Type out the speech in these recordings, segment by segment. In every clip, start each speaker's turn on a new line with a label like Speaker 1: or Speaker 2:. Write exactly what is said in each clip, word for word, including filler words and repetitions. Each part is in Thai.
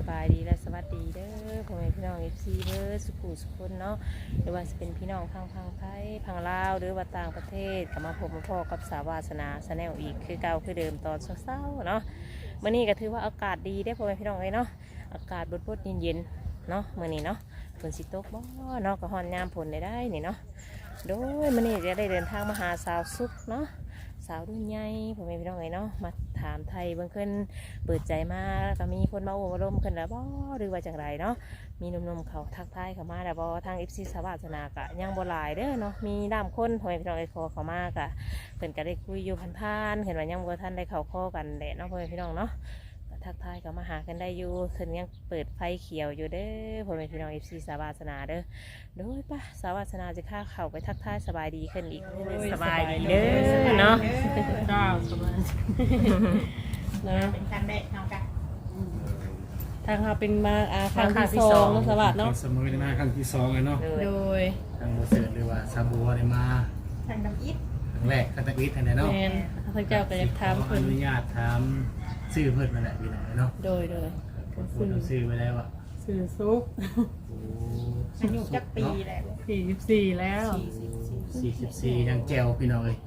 Speaker 1: บายดีและสวัสดีเด้อพ่อแม่พี่น้องเอฟซีเด้อสุขุสุขคนเนาะหรือว่าจะเป็นพี่น้องพังพังไทยพังลาวหรือว่าต่างประเทศก็มาพบมาพ่อกับสาวาสนาสแนลอีกคือเก่าคือเดิมตอนเช้าๆเนาะมื้อนี้ก็ถือว่าอากาศดีได้พ่อแม่พี่น้องเลยเนาะอากาศบดๆเย็นๆเนาะมื้อนี้เนาะฝนสิตกบ่เนาะก็ฮ้อนยามฝนได้ได้นี่เนาะโดยมื้อนี้จะได้เดินทางมาหาสาวสุขเนาะสาวรุ่นใหญ่พ่อแม่พี่น้องเลยเนาะมาถามไทยเบื้องขึ้นเปิดใจมาก็มีคนมาโอ้มาร่มขึ้นแล้วบ่หรือว่าจังไรเนาะมีหนุ่มๆเขาทักทายเข้ามาแล้วบ่ทาง เอฟ ซี สวัสนากะยังบ่หลายเด้อเนาะมีด้ามคนพ่อแม่พี่น้องเลยขอเข้ามากะเพิ่นก็ได้คุยอยู่ผ่านๆเห็นว่ายังบ่ทันได้เข้าข้อกันแหละเนาะพ่อแม่พี่น้องเนาะทักทายก็มาหากันได้อยู่เพิ่นยังเปิดไฟเขียวอยู่เด้อพ่อแม่พี่น้อง เอฟ ซี สวัสนาเด้อโดยป่ะสวัสนาจะข้าเข้าไปทักทายสบายดีขึ้นอีกสบายดีเด้อเนาะ
Speaker 2: เจ้าสบายนะ
Speaker 3: เป็นการแบกเอากัน
Speaker 2: ทางเราเป็นมาอาครั้งที่สองสวัสดีเนาะ
Speaker 4: เสมอในมาครั้งที่สองเลยเนาะ
Speaker 2: โดย
Speaker 4: ทางโมเสสหรือว่าซาบัวได้มา
Speaker 3: ทางน้ำอิฐ
Speaker 4: ครั้งแรกครั้งตะวิทย์เนาะ
Speaker 2: แมนพระเจ้าก็จะถาม
Speaker 4: ขอ
Speaker 2: เพิ่
Speaker 4: อน นุญาตถามชื่อเพิ่นมาแหละพี่น้องเนาะ
Speaker 2: โดยโดย
Speaker 4: พูดชื่อไปแล้วอ่ะ
Speaker 2: สื่อซุก
Speaker 4: โอ้
Speaker 3: อายุจักปีแล้ว
Speaker 2: สี่สิบสี่แล้ว
Speaker 4: สี่สิบสี่ยังแจวพี่น้องเลย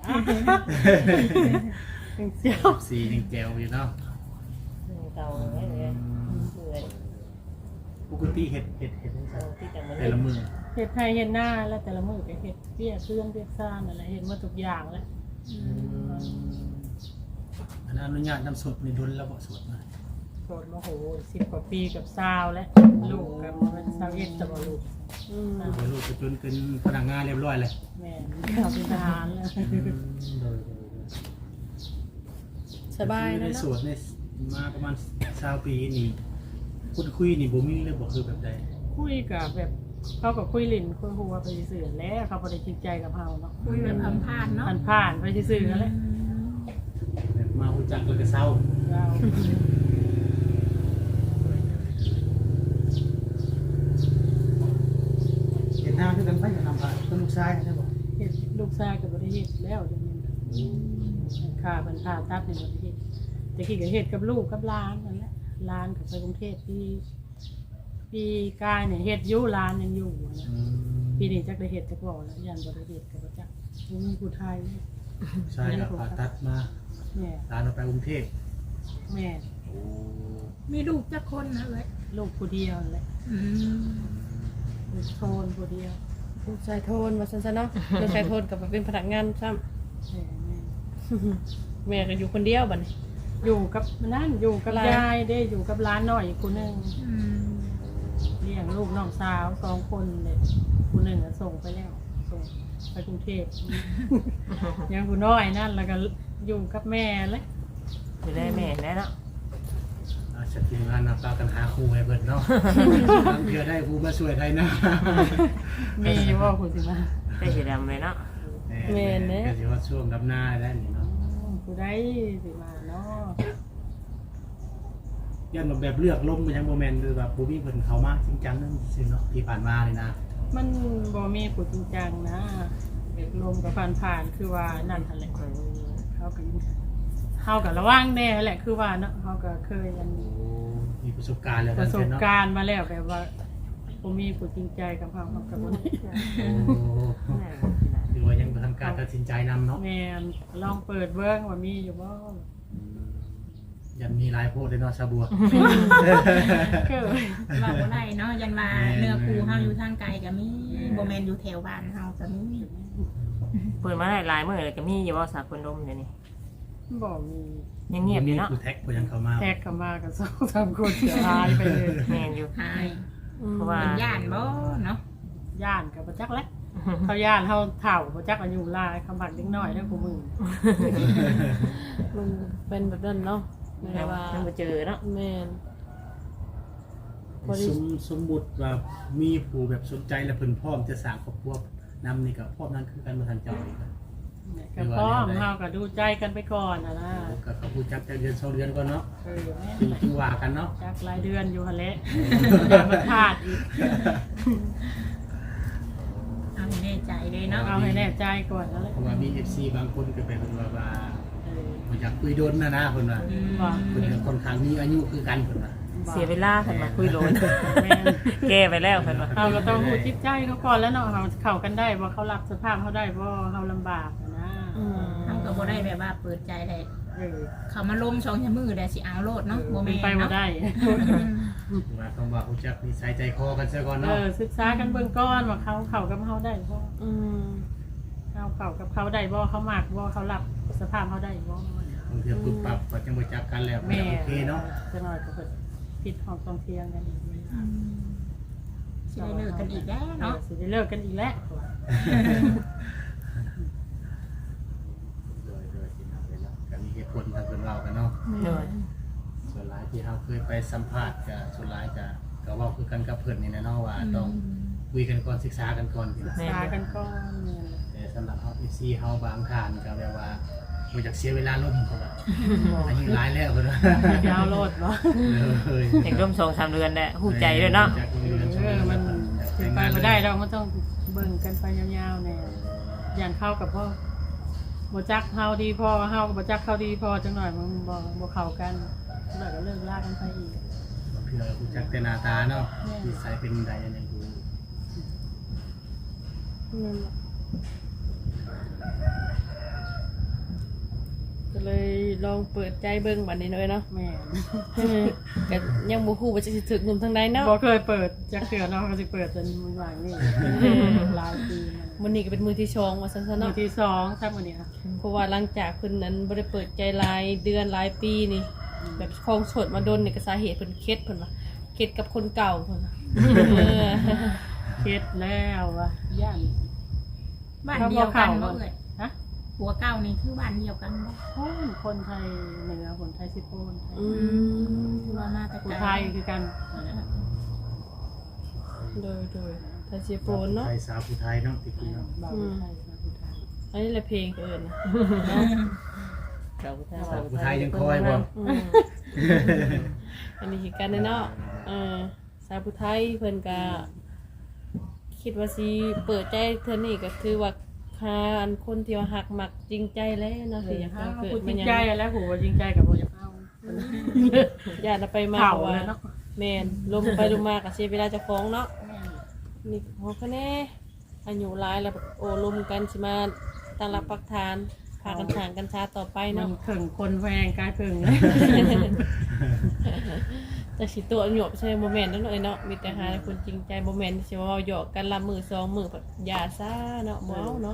Speaker 2: เจ้า
Speaker 4: สี่ยังแจวอยู่เนาะ
Speaker 1: เก่าเลยเลยเหนื่อย
Speaker 4: ปกติเห็ดเห็ดเห็ด
Speaker 1: เอาที่แต่มัน
Speaker 4: แต่ละมือ
Speaker 2: เห็ดไทยเห็ดหน้าแล้วแต่ละมือก็เห็ดเปี้ยเครื่องเปี้ยซ่านอะไรเห็ดมาทุกอย่างแล้ว
Speaker 4: อันนั้นอนุญาตนำสดในดุลแล้วบ่สดมา
Speaker 2: โกรธโมโหสิบกว่าปีกับซาวแล้วลูกกับมันซาวเอ็ดกับลูก
Speaker 4: โดยลูกจนเป็นพนักงานเรียบร้อยเลย
Speaker 2: แม่ขับเป็นทหารแล้ว
Speaker 4: โดย
Speaker 2: สบาย
Speaker 4: ใน
Speaker 2: นะ
Speaker 4: สวนในมาประมาณสามปีนี่คุยคุยนี่บ่มีเลยบ่คือแบบใด
Speaker 2: คุยกับแบบเขากับคุยลินคุยหัวไปสื่อแล้วเขาไม่ได้จริงใจกับเราเนาะ
Speaker 3: คุยแบบผ่านๆเนาะ
Speaker 2: ผ่านผ่านไปสื่อแล้ว
Speaker 4: แบบมาฮู้จักแล้วก็เศร้า
Speaker 2: เรา
Speaker 4: เห็นหน้าคือกันไปกับทำผ่านต้นลูกชายใช่บ่
Speaker 2: เห็ดลูกชายกับบริเหตุแล้วเดี๋ยวนี้ค่าบรรพาตัดในบริเหตุแต่ขี้กับเหตุกับลูกกับร้านนั่นแหละร้านกับไปกรุงเทพที่ปีกายเนี่ยเหตุยุ่ร้านยังอยู่นะปีนี้จักได้เหตุจักบอกแล้วยันบริเหตุกับจักมีผู้ไทย
Speaker 4: ใช่ครับผ่าตัดมา
Speaker 2: แม่
Speaker 4: ร้านเราไปกรุงเทพ
Speaker 2: แม่
Speaker 4: โอ้
Speaker 3: มีลูกจักคนนะเลย
Speaker 2: ลูกผู้เดียวนั่นแหละ
Speaker 3: อืม
Speaker 2: ลูกโทนผู้เดียว
Speaker 5: ลูกชายโทนมาสั้นๆเนาะ ลูกชายโทนกับเป็นพนักงานซ้
Speaker 2: แม่แม่
Speaker 5: ำ แม่ก็อยู่คนเดียวบัดนี้
Speaker 2: อยู่กับนั่นอยู่กับ
Speaker 5: หลาน
Speaker 2: ยายได้อยู่กับร้านหน่อยอีกคนหนึ่ง
Speaker 3: อืม
Speaker 2: เลี้ยงลูกน้องสาวสองคนเลยคนหนึ่งอะส่งไปแล้วส่งไปกรุงเทพ ยังผู้น้อยนั่นแล้วก็อยู่กับแม่เลย
Speaker 1: อยู่ได้แม่ได้เนาะ
Speaker 4: อาชัดเจนงานนะปากันหาครูให้เบิดเนาะบางเทื่อได้ครูมาช่วยได้นะ
Speaker 2: มีว่าคุณสิมา
Speaker 1: ได้สีดำเลยเนาะ
Speaker 4: แม่นเนี่ยก็สิว่าช่วงดำหน้าได้นี่เนาะ
Speaker 2: ผู้ได้สิมาเนาะ
Speaker 4: ยันแบบเลือกล้มมันยังโมเมนต์หรือแบบบูบี้เพิ่นเขามากจริงจังนั่นสิเนาะที่ผ่านมาเลยนะ
Speaker 2: มันบ่มีผู้จริงจังนะเด็กลมกับผ่านผ่านๆคือว่านั่นทันแหละเขากับเขากับระว่างแน่แหละคือว่าเนาะเขาก็เคยอัน
Speaker 4: โอ้มีประสบการณ์แล้ว
Speaker 2: ประสบ
Speaker 4: เนาะ
Speaker 2: การณ์มาแล้วแบบว่าผมมีผู้จริงใจกับเขาเขากับผม
Speaker 4: โอ้ถือว่ายังทำการตัดสินใจนำเนาะ
Speaker 2: แม่นลองเปิดเบิ้งว่ามีอยู่บ่
Speaker 4: ยังมีหลายโพดเลยเนาะชาบัว
Speaker 2: เกิด
Speaker 3: เราบ่ได้เนาะยังมาเนื้อคูเฮาอยู่ทางไกลก็มีบ่แม่นอยู่แถวบ้านเฮาก็มี
Speaker 1: เปิดมาได้หลายมื้อเลยก็มีอยู่ว่าสาคนดมเดี๋ยวนี้
Speaker 2: บ่มี
Speaker 1: ยังเงียบอยู่เนาะ
Speaker 4: ผู้แท็กผู้ยังเข้ามา
Speaker 2: แทกเข้ามากับสองสามคนเสียหายไปเลย
Speaker 1: แม่นอยู่
Speaker 3: หาย
Speaker 1: เพราะว่า
Speaker 3: เป็นย่านบ่เนาะ
Speaker 2: ย่านกับประจักษ์แหล้วเขาย่านเขาเถ่าประจักษ์อายุหลายคำบักเล็กน้อยแล้วกูมือ
Speaker 5: มันเป็นแบบนั้นเนาะไม่
Speaker 1: ยั
Speaker 5: ได้
Speaker 1: ง
Speaker 5: ว่า
Speaker 1: ยังบ่เจอเนาะ
Speaker 5: แม่น
Speaker 4: สมสมมุติว่ามีผู้แบบสนใจและเพิ่นพร้อมจะสร้างครอบครัวนํนี่ก็พร้อมนั้นคือกันบ่ทันเจ้าอีกนะ
Speaker 2: กับพ่อมเขาก็ดูใจกันไปก่อนนะนะ
Speaker 4: ก็เขาผู้จักแต่เดือนสองเดือนก่อนเนาะ
Speaker 2: เออแม่
Speaker 4: จึงจึงว่ากันเนาะ
Speaker 2: จักรายเดือนอยู่ฮะเละอย่ามาขาดอีก
Speaker 3: เอาให้แน่ใจเลยเนาะ
Speaker 2: เอาให้แน่ใจก่อนแล้วแหละ
Speaker 4: เพราะว่ามี เอฟ ซี บางคนก็เป็นว่าว่า
Speaker 2: เออ
Speaker 4: บ่อยากคุยโดนนะนะเพิ่นว่า
Speaker 3: อืม
Speaker 2: ว่า
Speaker 4: เพิ่นก็ค่อนข้างมีอายุคือกันเพิ่นว่า
Speaker 2: บ
Speaker 1: เสียเวลาเพิ่นมาคุยโลน
Speaker 2: แม่น
Speaker 1: แก้ไปแล้วเพิ่นว่า
Speaker 2: เราก็ต้องรู้จิตใจเขาก่อนแล้วเนาะเขาเข้ากันได้บ่เขารับสภาพเขาได้บ่เขาลำบากอะนะ
Speaker 1: อืม
Speaker 3: เฮาก็บ่ได้แบบว่าเปิดใจได้
Speaker 2: เออ
Speaker 3: เขามาล้มสองชั่วมือได้สิเอาโลดเนาะบ่
Speaker 2: เป็
Speaker 3: แม่
Speaker 2: น
Speaker 3: น
Speaker 2: ไปบ่
Speaker 3: เนาะ
Speaker 2: ได้
Speaker 4: ว่าต้องว่ารู้จักนิสัยใจคอกันซะก่อน
Speaker 2: เอ
Speaker 4: เนาะ
Speaker 2: อศึกษากันเบื้องก้อนว่าเขาเข้ากับเขาได้บ่
Speaker 5: อืม
Speaker 2: เขาเข้ากับเขาได้บ่เขามากบ่เขารับสภาพเขาได้บ่
Speaker 4: บางทีปุ๊บปั๊บก็จังบ่จักกันแล้ว
Speaker 2: แม่
Speaker 4: โอเคเนาะ
Speaker 2: จะน้อยก็เพิ่นผิดห้องต้องเทียงกันอีก
Speaker 3: อืมสิได้เลิกกันอีกแล้ว
Speaker 2: เนาะ
Speaker 3: เนาะ
Speaker 2: สิได้เลิกกันอีกแล้ว
Speaker 4: โดยโดยที่นำไปเนาะก็มีเหตุผลทางเพิ่นเล่ากันเนาะ
Speaker 1: โดย
Speaker 4: ส่วนหลายที่เราเคยไปสัมภาษณ์กับส่วนหลายก็ก็เว่าคือกันกับเพิ่นนี่แหละเนาะว่าต้องคุยกันก่อนศึกษากันก่อนพี่
Speaker 2: ศึ
Speaker 4: น้
Speaker 2: ก
Speaker 4: อง
Speaker 2: ษากันก่อนเนี่ย
Speaker 4: แต่สำหรับเฮา เอฟ ซี เฮาบางท่านก็แบบว่าบ่อยากเสียเวลาล่มเพิ่นว่าอายุหลายแล้วเพิ่นว่า
Speaker 2: ยาวโลดบ่
Speaker 4: เลย
Speaker 1: เด็กร่วมสองสามเดือนแหละหูใจด้วยเนาะ
Speaker 4: จากเดือน
Speaker 2: เออมันเป็นไปบ่ได้เราก็ต้องเบิ่งกันไปยาวๆแน่อย่างเข้ากับพ่อบ่จักเฮาดีพอเฮาก็บ่จักเขาดีพอจังหน่อยมันบ่บ่เข้ากันแล้วก็เลิกลากันไปอีก
Speaker 4: เพื่อรู้จักแต่หน้าตาเนาะนิสัยเป็นใดอันนี้รู้
Speaker 5: นั่นแหละก็เลยลองเปิดใจเบิ่งบัดนี้หน่อยเนาะ
Speaker 2: แม่
Speaker 5: ก็ยังบ่ฮู้ว่าจะสิถึกหนุ่มทางใดเนาะ
Speaker 2: บ่เคยเปิดจักเทื่อเนาะก็สิเปิดจนมันว่างนี่หลายปีมา
Speaker 5: มื้อนี้ก็เป็นมื้อที่สองว่าซั่นซะ
Speaker 2: มื้อ
Speaker 5: เนาะ
Speaker 2: ที่สองครับมื้อนี้ค่ะ
Speaker 5: เพราะว่าหลังจากเพิ่นนั้นบ่ได้เปิดใจหลายเดือนหลายปีนี่ แบบคลองโสดมาโดนนี่ก็สาเหตุเพิ่นเคสเพิ่นว่าเคสกับคนเก่าเพิ่นว่าเออ
Speaker 2: เคล็ดแล้วว่ะย่าน
Speaker 3: บ้านเดียวกันบ่เอ่ย
Speaker 2: ฮะ
Speaker 3: ผัวเก่านี่คือบ้านเดียวกันบ่
Speaker 2: คนคนไทยเหนือคนไทยสิโปนไทย
Speaker 5: อืม
Speaker 3: คือว่ามาแต่
Speaker 2: คน
Speaker 3: ไกล
Speaker 2: ไทยคือกัน
Speaker 5: โดยโดยทาเชียโปนเนาะ
Speaker 4: ไทยสาวผู้ไทยเนาะที่คุยเนาะ
Speaker 2: บ่าวไทยสาวไทย
Speaker 5: อันนี้แหละเพลงเอิญนะ
Speaker 1: สาวผู้ไทย
Speaker 4: สาวผู้ไทยยังคอยบ่
Speaker 5: อืมอันนี้คือกันเนาะเออสาวผู้ไทยเพิ่นก็คิดว่าสิเปิดใจเธอนี่ก็คือว่าหาอันคนที่ว่าหักมักจริงใจแล้วเนาะ
Speaker 2: เอ
Speaker 5: สิ
Speaker 2: อ
Speaker 5: อยาก
Speaker 2: ถ้า
Speaker 5: เกิด
Speaker 2: พูดจ
Speaker 5: มั
Speaker 2: ริ
Speaker 5: น
Speaker 2: ง
Speaker 5: ยัง
Speaker 2: ใจแล้วผัวจริงใจกับบ่อยากเอา
Speaker 5: ญาติไปมา
Speaker 2: เข่า
Speaker 5: ว่า
Speaker 2: แล้วเนาะ
Speaker 5: แม่นลมไปลมมาก็เสียเวลาเจะฟ้าของเนาะนี่เฮาก็แน่อายุหลายแล้วแบบโอ้ลมกันสิมาตั้งหลักปักฐานพากันทางกันช้าต่อไป
Speaker 2: มั
Speaker 5: เนาะ
Speaker 2: นถึงคนแพงกลายเพิ่งเลย
Speaker 5: แต่สิตัวหยบใช่โมเมนต์นั่นเลยเนาะมีแต่หาคนจริงใจโมเมนต์สิว่าหยอกกันละมือสองมือแบบอย่าซ่าเนาะบ่เอาเนาะ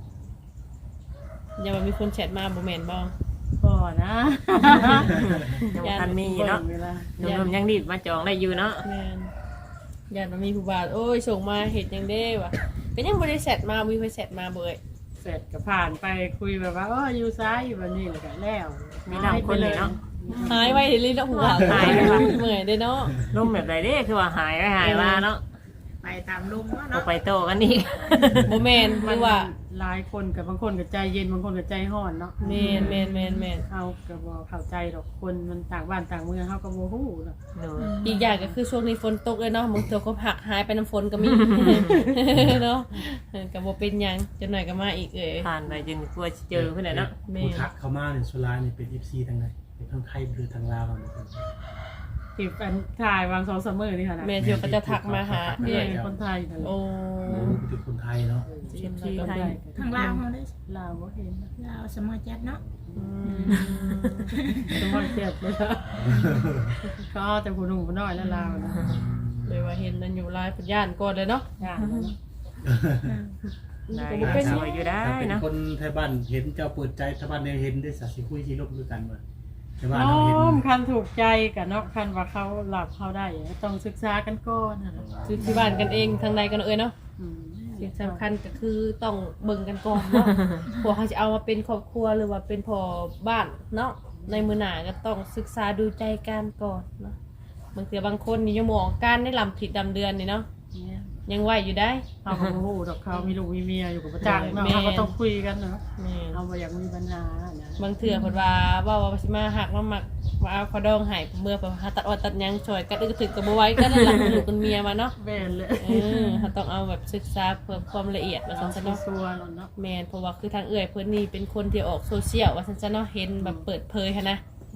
Speaker 5: อย่าว่ามีคนแชทมาโมเมนต์บ่
Speaker 2: ก่อนนะ
Speaker 1: ยังบ่ทันมีเนาะ
Speaker 2: เวลา
Speaker 1: หนุ่มๆยังดีดมาจองได้อยู่เนาะ
Speaker 5: แม่นอย่ามันมีผู้บ่าวโอ้ยส่งมาเห็ดหยังเด้วะก็ยังบ่ได้แชทมามีไปแชทมาเบ่ย
Speaker 2: เสร็จก็ผ่านไปคุยแบบว่าเอออยู่ซ้ายอยู่แบบนี้แล้วก็แล้ว
Speaker 1: มีน้ำคนเลยเนาะ
Speaker 5: หายไว้เลยเนาะผู้บ่าวหายไปว่ะเมื่อยเด้เนาะ
Speaker 1: ร่มแบบใดเด้คือว่าหายไปหายมาเนาะ
Speaker 3: ไปตามลุง
Speaker 1: เอา
Speaker 3: เนาะ
Speaker 1: ไปโตกันอีก
Speaker 5: บ่แม่น
Speaker 2: มั
Speaker 5: คื
Speaker 2: น
Speaker 5: อว่า
Speaker 2: หลายคนกับบางคนกับใจเย็นบางคนกับใจห้อนเนาะ
Speaker 5: แม่นแม่นแม่นแม่น
Speaker 2: เขาก็บ่เข้าใจดอกคนมันต่างบ้านต่างเมืองเขาก็บ่ฮู้เนาะ
Speaker 1: โดย
Speaker 5: อีกอย่างก็คือช่วงนี้ฝนตกเลยเนาะบางตัวก็หักหายไปน้ำฝนก็มี เนาะเออก็บ่เป็นหยังจักหน่อยก็มาอีกเอ้ย
Speaker 1: ผ่านไปจนกลัวจะเจอเพิ่นน่ะเนาะ
Speaker 5: แม่
Speaker 4: ผู้ทักเข้ามาเนี่ยส่วนหลายนี่เป็น เอฟ ซี ทางใดเป็นทางไทยหรือทางลาวเนาะ
Speaker 2: ที่อันถ่ายวางสองสามมื้อนี่ค่ะนะ
Speaker 5: แม่เที่ยวก็จะทักมาหา
Speaker 2: นี่
Speaker 5: เอ้ย
Speaker 2: คนไทยนั่นแหละ
Speaker 5: โอ้
Speaker 4: โอ้เป็นคนไทยเนาะ
Speaker 5: เช่นที่ไทย
Speaker 3: ทางลาวเฮาได้
Speaker 2: ลาวบ่เห็นนะ
Speaker 3: ลาวสมอจัดเนาะ
Speaker 5: อืม
Speaker 2: สมองเจ็บเลยนะก็เอาแต่ผู้หนุ่มผู้น้อยแล้วลาวนะ
Speaker 5: เลยว่าเห็นนั่นอยู่หลายพยานก่อนเลยเนาะ
Speaker 2: ย่างนั้น
Speaker 1: ได้
Speaker 5: ก็บ่เป็น
Speaker 1: ส
Speaker 5: หยัง
Speaker 1: วยอยู่ได้
Speaker 4: ถ้าเป็น
Speaker 1: เนาะ
Speaker 4: คนไทยบ้านเห็นเจ้าเปิดใจไทยบ้านเนี่ยเห็นได้สักสิคุยสิลบด้วยกันเบ่ไทยบ้าน
Speaker 2: น้
Speaker 4: เราเห็น
Speaker 2: อมคันถูกใจกับเนาะคันว่าเขาหลับเขาได้ต้องศึกษากันก่อนนะ
Speaker 5: คือที่บ้านกันเองทางในกันเอ้ยเนาะ
Speaker 2: อืม
Speaker 5: สิ่งสำคัญก็คือต้องเบิ่งกันก่อนเนาะ พวกเขาจะเอามาเป็นครอบครัวหรือว่าเป็นพ่อบ้านเนาะในมือหนาก็ต้องศึกษาดูใจกันก่อนเนาะบางทีบางคนนี่ยังมองการได้ลำผิดดำเดือนนี่เนาะ
Speaker 2: เนี่ย
Speaker 5: ยังไหวอยู่ได้
Speaker 2: เขาก็บ่ฮู้ดอกเขามีลูกมีเมียอยู่กับประจักษ์เนาะ
Speaker 5: แม่
Speaker 2: เขาก็ต้องคุยกันเนาะ
Speaker 5: แม่น
Speaker 2: เขาบ่อยากมีปัญหานะ
Speaker 5: บางเถื่อเพิ่นว่าว่าว่าสิมาหักมาหมักว่าเอาขอดองให้เมื่อเพิ่นหาตัดออดตัดหยังช่วยกันอึกถึกก็บ่ไหว้กันนั่นล่ะลูกกันเมียมาเนาะ
Speaker 2: แม่นเลย
Speaker 5: เออเขาต้องเอาแบบศึกษาเพื่อความละเอียดว่า
Speaker 2: เอา
Speaker 5: ซั่นซะเนาะ
Speaker 2: ซัวๆเนาะ
Speaker 5: แม่นเพราะว่าคือทางเอื้อยเพิ่นนี่เป็นคนที่ออกโซเชียลว่าซั่นซะเนาะเห็นแบบเปิดเผยหันนะ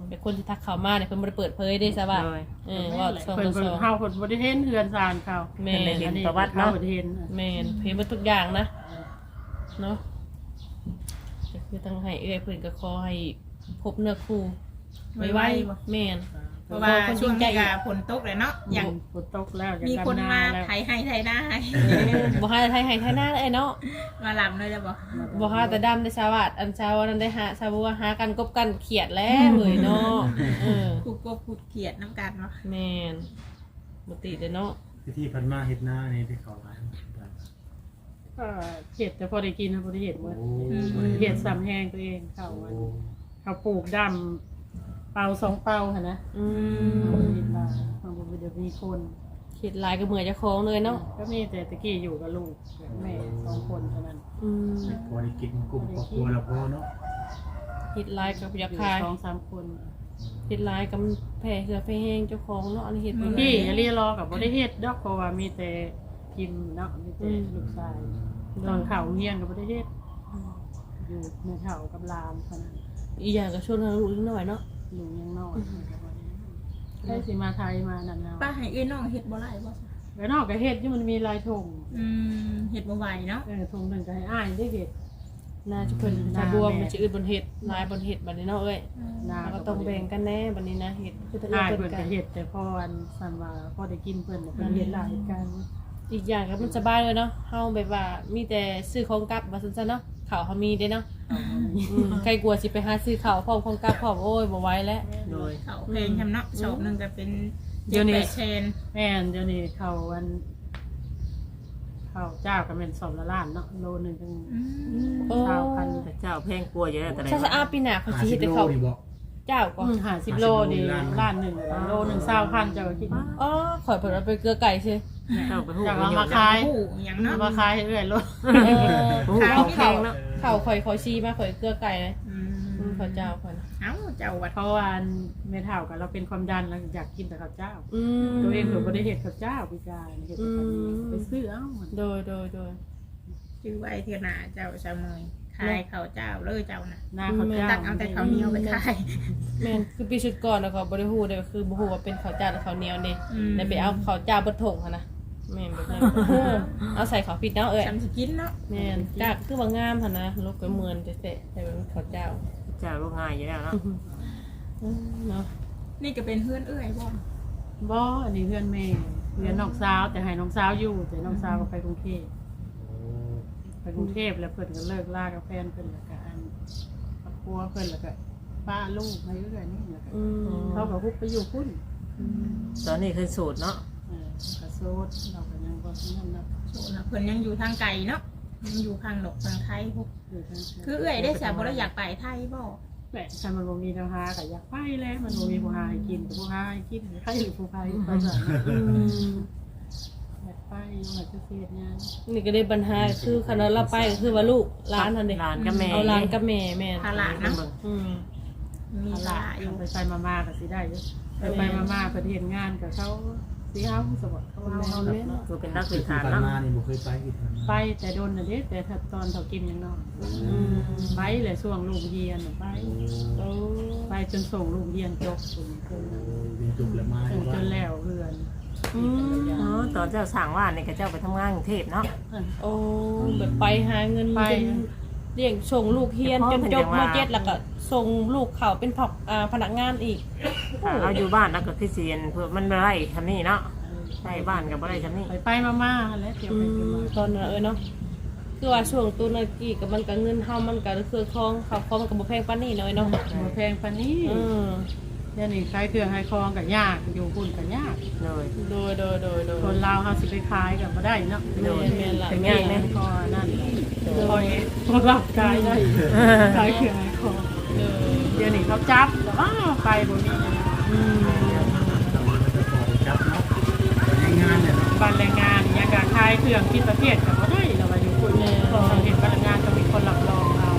Speaker 5: เป็นคนที่ทักเข้ามาเนี่ยเพิ่นบ่ได้เปิดเผยเด้ซะว่า
Speaker 1: โดย
Speaker 5: เออว่าสอง
Speaker 2: เพิ่น
Speaker 5: ต่อ
Speaker 2: เพิ่
Speaker 5: ส
Speaker 2: น
Speaker 5: อง
Speaker 2: เฮาเพิ่นบ่ได้เห็นเฮือนซานเขา
Speaker 5: แม่น
Speaker 1: เห็นประวัติเนาะ
Speaker 2: บ่ได้เห็น
Speaker 5: แม่นเพิ่นบ่ทุกอย่างนะเนาะก็คือทั้งให้เอ้อยเพิ่นก็ขอให้พบเนื้อคู่ไวๆแม่น
Speaker 3: เพราะว่าช่วงนี้ก็ฝนตกเลยเนาะอย่าง
Speaker 2: ฝนตกแล้วอยาก
Speaker 3: มี
Speaker 2: ดำ
Speaker 3: คน
Speaker 2: นา
Speaker 3: มา
Speaker 2: แล้ว
Speaker 3: ไถให้ไถหน้าให้
Speaker 5: บ่หาไทยให้ไทยหน้าเลยเนาะ
Speaker 3: มาลำเลยจะบอก
Speaker 5: บ่หาแต่ดำได้สวัสดอันเช้านั้นได้หาชาวบัวหากันกบกันเขียดแล้วเว้ยเนาะเออ
Speaker 3: ผูกกบผูกเขียดน้ำกันเนาะ
Speaker 5: แม่นบ่ติเด้อเนาะ
Speaker 4: พิธีพันมาเฮ็ดหน้านี่ที่เขาหลาย
Speaker 2: ก็เห็ดแต่พอได้กินนะพอได้เห็ดหมด
Speaker 4: โอ้
Speaker 2: เห็ดซ้ำแห้งตัวเองเขาอะเขาปลูกดำเป่าสองเป่าค่ะนะ
Speaker 5: อื
Speaker 2: เขา
Speaker 5: ม
Speaker 2: เห็ดมาเขาบอกว่าเดี๋ยวมีคน
Speaker 5: เขียดหลายก็เหมือนเจ้าของเลยเนาะ
Speaker 2: ก็มีแต่ตะกี้อยู่กับลูกกับแม่สองคนเท่านั้น
Speaker 5: อืม
Speaker 4: พอได้กินกลุ่มครอบครัวแล้วพอเนาะ
Speaker 5: เฮ็ดหลายก็อยาก
Speaker 2: อยู่
Speaker 5: ขาย
Speaker 2: สองสามคน
Speaker 5: เฮ็ดหลายก็มันแผ่เสือแผ่แห้งเจ้าของเนาะอันนี้เฮ็ดบ่ได้
Speaker 2: พี่อย่าเรียรอกับบริเฮ็ดดอกเพราะว่ามีแต่พิมพ์เนาะมีแต่ลูกชายตอนเข่าเฮียนกับบริเฮ็ดอยู่ในเข่ากับลามเท่านั้น
Speaker 5: อีกอย่างก็ชวนทางลูกนิดหน่อยเนาะ
Speaker 2: ลุงยังน้อยได้สิมาไทยมานั่นเอา
Speaker 3: ป้าให้เอ้ยน้องเห็ดบ่ไรบ่
Speaker 2: แล้วนอกกับเฮ็ดที่มันมีลายธง
Speaker 3: อืมเห็ดบ่ไหวเนาะ
Speaker 2: เออธงหนึ่งก็ให้อ้ายได้เฮ็ด
Speaker 5: น่าจะเพิ่นชาวบัวมันสิอึดบนเฮ็ดหลายบนเฮ็ดบัดนี้เนาะเอ้ย
Speaker 2: นา
Speaker 5: เราก็ต้องแบ่งกันแน่บัดนี้นะเฮ็ดคือตะเอื้อ
Speaker 2: อ้าย
Speaker 5: เพิ่
Speaker 2: เพิ่
Speaker 5: น
Speaker 2: น
Speaker 5: กั
Speaker 2: ก็
Speaker 5: น
Speaker 2: เฮ็ดแต่พออันสันว่าพอได้กินเพิ่นน่ะเพิ่นเฮ็ดหลายกัน
Speaker 5: อีกอย่างก็มันสบายเลยเนาะเฮาแบบว่ามีแต่ซื้อของกลับว่าซั่นๆเนาะข้าวเฮามีเด้เนาะอืมใครกลัวสิไปหาซื้อข้าวพร้อมของกลับพร้อมโอ้ยบ่ไหวแล้ว
Speaker 1: โดย
Speaker 3: เขาเพลงทำเนาะชอบหนึ่งก็เป็น
Speaker 2: เดี๋ยวนี้
Speaker 3: แปดเชน
Speaker 2: แม่นเดี๋ยวนี้เขาอันเขาเจ้าก็เป็นสอบละล้านเนาะโลหนึงจัง
Speaker 3: อืม
Speaker 5: โอ้
Speaker 2: เช้าพัน
Speaker 1: แต่เจ้าแพงกลัวอยู่แล้วแต่ไหน
Speaker 5: ถ้าจะอาปีหน้าเขาสิเฮ็ดให้เขา
Speaker 4: ห้สิบโลนี่บอก
Speaker 5: เจ้าก่อน
Speaker 2: ห้าสิบโลนี่ล้านหนึ่งโลหนึ่งเศร้าพันเจ้าก็คิด
Speaker 5: อ๋อขอยเพิ่นเอาไปเกลือไก่ซิ
Speaker 1: เจ้าไปหู้
Speaker 2: จาก
Speaker 1: ไป
Speaker 2: เอา
Speaker 1: หย
Speaker 2: มา
Speaker 1: ด
Speaker 2: ขาย
Speaker 3: ผู้อย่างเนาะ
Speaker 2: มาขายให้เรื่อยรถ
Speaker 5: เออ
Speaker 1: หู้ของแพงเนาะ
Speaker 5: ข้าวข่อยขอชีมาข่อยเกลือไก่เลย
Speaker 3: อื
Speaker 5: อืม
Speaker 3: ม
Speaker 5: ข้าวเจ้าข่อย
Speaker 3: เอ้าเจ้าวัด
Speaker 2: เพราะว่าเมทัลกับเราเป็นความดันเราอยากกินแต่ข้าวเจ้า
Speaker 5: อืม
Speaker 2: ตัวเองหนูไม่ได้เห็ดข้าวเจ้าพิการเห็ดแต่ข้าวเหนียวไปซื้อเอ้ามัน
Speaker 5: โดยโดยโดย
Speaker 3: ชื่อไว้เทียนาเจ้าชาวเมยขายข้าวเจ้าเลยเจ้าน่ะ
Speaker 2: หน้าข้าวเจ้า
Speaker 3: ตักเอาแต่ข้าวเหนียวไปขาย
Speaker 5: แม่นคือปีชุดก่อนแล้วก็บ่ได้ฮู้เด้อคือบ่ฮู้ว่าเป็นข้าวเจ้าหรือข้าวเหนียวนี่
Speaker 3: อืม
Speaker 5: ได้ไปเอาข้าวเจ้าเบิดถุงหั่นนะแม่นแบบนั้นเออเอาใส่ข้าวผิดเนาะเอ้ย
Speaker 3: จำสกินเนาะ
Speaker 5: แม่นกากคือว่างามหั่นนะลูกก็เหมือนจะเตะแต่เป็นข้าวเจ้า
Speaker 1: เจ้าลูกง่ายอยู่แล้วเนาะ
Speaker 5: อืมเนาะ
Speaker 3: นี่ก็เป็นเพื่อนเอื้อยบ่
Speaker 2: บ่อันนี้เพื่อนแม่เพื่อนน้องสาวแต่ให้น้องสาวอยู่แต่น้องสาวก็ไปกรุงเทพไปกรุงเทพแล้วเพิ่นก็เลิกลากับแฟนเพิ่นแล้วก็อันครอบครัวเพิ่นแล้วก็ป้าลูกมาเรื่อยๆนี่แล้วก็
Speaker 5: อืม
Speaker 2: เขาก็ฮุบไปอยู่พุ่น
Speaker 1: ตอนนี้คือสูตรเนาะ
Speaker 2: เออกระโซดเราก็ยังบ่นั่นเนาะ
Speaker 3: โซนะเพิ่นยังอยู่ทางไกลเนาะยังอยู่ทางหนกทางไทยพวก
Speaker 2: อยู่ทาง
Speaker 3: คือเอื้อยได้สาบ่ได้อยากไปไทยบ่
Speaker 2: แหละถ้ามันบ่มีแนวหาก็อยากไปแล้วมันบ่มีผู้หาให้กินแต่ผู้หาให้กินใครหรือผู้ใครไปสั่น
Speaker 5: อืม
Speaker 2: อยากไปอยากจะเสียงาน
Speaker 5: นี่ก็ได้ปัญหาคือคันเราไปก็คือว่าลูกหลานนั่นเด้
Speaker 1: หลานกับแม่
Speaker 5: เอาหลานกับแม่แม่น
Speaker 3: ภาระเนาะ
Speaker 5: อืม
Speaker 3: มี
Speaker 2: เอา
Speaker 3: ภา
Speaker 2: ละ
Speaker 3: ระอยู่
Speaker 2: ไปไปมามาก็สิได้อยู่ไปไปมามาเพิ่นเฮ็ดงานกับเขาสิเอาสมบัติเขาเอาเฮาแล้วเนาะ
Speaker 1: คือเป็นนัก
Speaker 4: คื
Speaker 1: พื้
Speaker 4: อน ที่
Speaker 1: ฐาน
Speaker 4: ผ่าน
Speaker 1: เนาะ
Speaker 4: มานี่บ่เคยไปอีกนะ
Speaker 2: ไปแต่โดนน่ะเด้แต่ถ้าตอนเขากินยังน้อย
Speaker 5: อืม
Speaker 2: ไปแหละช่วงลูกเรียนน่ะไป
Speaker 5: โอ้
Speaker 2: ไปจนส่งลูกเรียนจบถึงจน
Speaker 4: เรียนจบแล้วมา
Speaker 2: ถึงจนแล้วเรือน
Speaker 5: อืม
Speaker 1: อ๋อตอนเจ้าสั่งว่านี่ก็เจ้าไปทำงานกรุงเทพเนาะ
Speaker 5: โอ้แบบไปหาเงิน
Speaker 2: ไป
Speaker 5: จนเลี้ยงส่งลูกเฮียนจนจบมเจ็ดแล้วก็ส่งลูกเขาเป็นผักอ่าพนักงานอีก
Speaker 1: ถ้าเราอยู่บ้านแล้วก็คือเสียนเพื่อมันบ่ได้ทำนี่เนาะใช่บ้านก็บ่ได้ทำนี่
Speaker 2: ไปไปมามาแล้วเที่ยว
Speaker 5: อื
Speaker 2: ไปเที่ยว
Speaker 5: ม
Speaker 2: มา
Speaker 5: ตอนนั้นเออเนาะคือว่าช่วงตัวนากี้กับมันก็เงินเฮามันก็คือคองเขาคองมันก็บ่แพงปานนี้น้อยเนาะ
Speaker 2: บ่แพงปานนี้
Speaker 5: อืม
Speaker 2: เดี๋ยวนี้ขายเครื่องขายของก็ยากอยู่พุ่นก็ยาก
Speaker 1: เลย
Speaker 5: โดยโดยโดยโดย
Speaker 2: คนลาวเฮาสิไปขายก็บ่ได้เนาะ
Speaker 5: โดยแม่นล่ะ
Speaker 1: เป็นง่ายไหม
Speaker 2: พอนั่นพอเองพอรับขายได้ขายเครื่องขายของ
Speaker 5: โดย
Speaker 2: เดี๋ยวนี้เขาจับแต่ว่าไปบ่มีนะ
Speaker 5: อืม
Speaker 4: จับเนาะในงานเนี่ยเนาะ
Speaker 2: บ้านแรงงานอย่างการขายเครื่องที่ประเทศก็บ่ได้เราว่าอยู่พุ่นพอเห็นบ้านแรงงานต้องมีคนรับรองเอา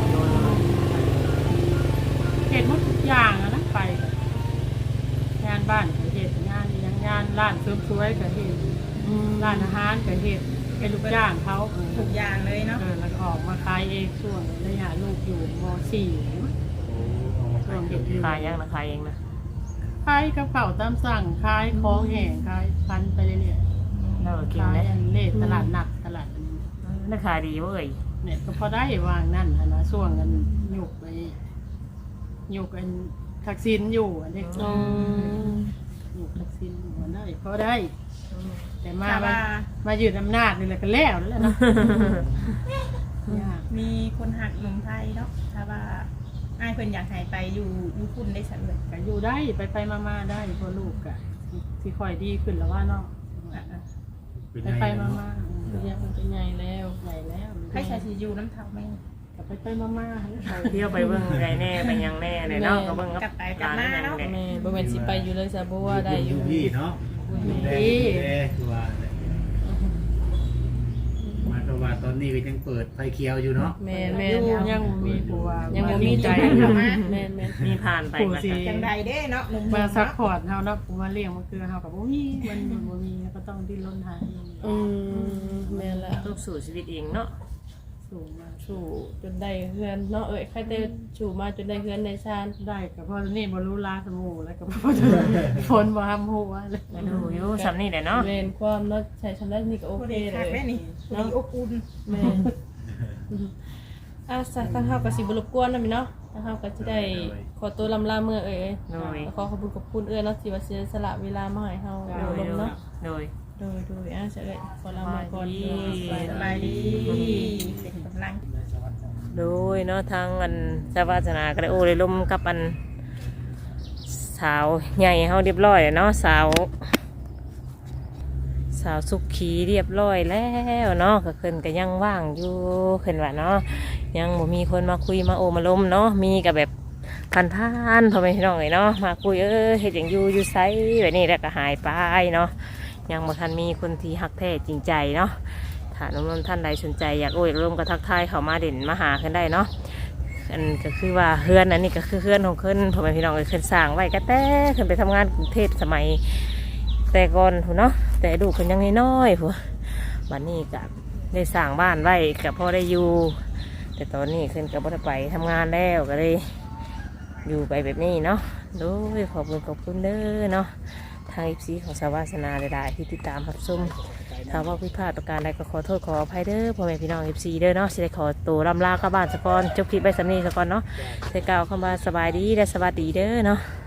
Speaker 2: เฮ็ดหมดทุกอย่างอะนะไปงานบ้านก็เฮ็ดงานยังงานร้านเสริมสวยก็เฮ็ด
Speaker 5: อืม
Speaker 2: ร้านอาหารก็เฮ็ดเป็นลูกจ้างเขาเออ
Speaker 3: ทุกอย่างเลยเนาะ
Speaker 2: เออแล้วก็ออกมาขายเองช่วงระยะลูกอยู่ม .สี่
Speaker 4: โอ้เอามาข
Speaker 2: ช่วงเฮ็ดอยู่
Speaker 1: ขายยังนะขายเองนะ
Speaker 2: ขายกับข้าวตามสั่งขายของแห้งขายพันไปเรื่อย
Speaker 1: เราก็
Speaker 2: ๆ
Speaker 1: กิน
Speaker 2: ขาย
Speaker 1: นะ
Speaker 2: อันเล่ตลาดนัดตลาดอันนี้
Speaker 1: ราคาดีเว้ย
Speaker 2: เนี่ยก็พอได้วางนั่นหั้นนะช่วงกันหยุกไปหยุกอันทักษิณอยู่อันนี้
Speaker 5: อืม
Speaker 2: หยุกทักษิณอยู่อันได้พอได้ แต่มา
Speaker 3: ถ้า
Speaker 2: มา
Speaker 3: ว่า
Speaker 2: มายืดอำนาจนี่แหละก็แล้วแล้วเนาะยาก
Speaker 3: มีคนหักหนุ่มไทยเนาะถ้าว่าอ้ายเพิ่นอยากให้ไปอยู่อยู่พุ่นได้สักเลย
Speaker 2: ก็อยู่ได้ไปไปมามาได้เพอลูกก็ที่ค่อยดีขึ้นแล้วว่าเนาะ
Speaker 3: อ่ะ
Speaker 4: เป็น
Speaker 2: ไป
Speaker 4: ไง
Speaker 2: ไปมา
Speaker 4: เนาะ
Speaker 2: มา
Speaker 5: เรียกมันเป็นใหญ่แล้ว
Speaker 2: ใหญ่แล้ว
Speaker 3: ๆให้ชายสิอยู่น้ำเท่าแม่
Speaker 2: ก็ไปไปมามา
Speaker 1: เที่ยวไปเบิ่งไรแน่ไปยังแน่เลยเนาะก็เบิ่ง
Speaker 3: กลับไปกลับมาเนาะ
Speaker 1: แหละ
Speaker 5: แม่บ่แม่นสิไปอยู่เลยซะบ่ว่าได้อยู่
Speaker 4: พี่เนาะดูแลดูแลคือว่าเนี่ยมาก็ว่าตอนนี้ก็ยังเปิดไฟเขียวอยู่เนาะ
Speaker 5: แม่นแม่
Speaker 2: ยั
Speaker 5: น
Speaker 2: งยังมีผัว
Speaker 5: ยังบ่มีใจ
Speaker 2: มา
Speaker 5: แม่นแม่น
Speaker 1: มีผ่านไป
Speaker 2: ผู้
Speaker 1: มา
Speaker 2: สิ
Speaker 3: จังใดเด้เนาะหนุ่มๆ
Speaker 2: มาซัก
Speaker 3: เนาะ
Speaker 2: พอร์ตเฮาเนาะผู้มาเลี้ยงมันคือเฮากับบ่มีมันบ่มีก็ต้องดิ้นรนหาเอง
Speaker 5: อืมแม่นแล้ว
Speaker 1: ต้องสู่ชีวิตเองเนาะ
Speaker 2: สูงมา
Speaker 5: สู่จนได้เฮือนเนาะเอ้ยใครได้สู่มาจนได้เฮือนได้ชาน
Speaker 2: ได้ก็เพราะนี่บ่รู้ลาสมูแล้วก็บ่ฝนบ่ห้ามหัวเลย
Speaker 1: มาดูอยู่สำนี่แหละเนาะ
Speaker 5: แม่นความเนาะใช้ชำได้นี่ก็โอ
Speaker 3: ผู้
Speaker 5: เค
Speaker 3: ใด
Speaker 5: เล
Speaker 3: คัก
Speaker 5: ย
Speaker 3: แม่นี่ผู้ใดอบอุ่น
Speaker 5: แม่นอ่ะซะทางเฮาก็สิบ่รบกวนนำเนาะทางเฮาก็สิได้ขอตัวลำลาเมื่อเอ้ย
Speaker 1: โดย
Speaker 5: ขอขอบคุณขอบคุณเอ้ยเนาะที่ว่าเสียสละเวลามาให้เฮา
Speaker 1: โด
Speaker 5: ดู
Speaker 1: ย
Speaker 5: ลมเนาะ
Speaker 1: โดย
Speaker 5: โดยโดยอ่ะเฉยขอลามาก่อน
Speaker 3: สบายดีเป็นกำลัง
Speaker 1: โดยเนาะทางอันสวาสนาก็ได้โอ้ได้ลมกับอันสาวใหญ่เฮาเรียบร้อยแล้วเนาะสาว สาวสุขีเรียบร้อยแล้วเนาะก็เพิ่นก็ยังว่างอยู่เพิ่นว่าเนาะยังบ่มีคนมาคุยมาโอมาล้มเนาะมีก็แบบผ่านๆพ่อแม่พี่น้องเอ้ยเนาะมาคุยเออเฮ็ดหยังอยู่อยู่ไสแบบนี้แล้วก็หายไปเนาะยังบ่ทันมีคนที่ฮักแท้จริงใจเนาะถ้าน้องๆท่านใดสนใจอยากโอ้อยากร่วมก็ทักทายเข้ามาเด่นมาหาขึ้นได้เนาะอันก็คือว่าเฮือนอันนี้ก็คือเฮือนของเพิ่นพ่อแม่พี่น้องเอ้ยเพิ่นสร้างไว้ก็แต่เพิ่นไปทำงานกรุงเทพสมัย แต่ก่อนพุ่นเนาะแต่ดูคนยังน้อยๆพุ่นวันนี้ก็ได้สร้างบ้านไว้กับพ่อได้อยู่แต่ตอนนี้ขึ้นกับพ่ได้ไปทำงานแล้วก็เลยอยู่ไปแบบนี้เนาะโดยขอบคุณขอบคุณเด้อเนาะทางอีพีของสาวาสนาหลายๆที่ติดตามรับชมถ้าว่าผิดพลาดประการใดก็ขอโทษขออภัยเด้อพ่อแม่พี่น้องอีพีเด้อเนาะสิได้ขอตัวลำลากลับบ้านสะก่อนจบคลิปไปสำนีสะก่อนเนาะได้กล่าวคำว่าสบายดีและสวัสดีเด้อเนาะ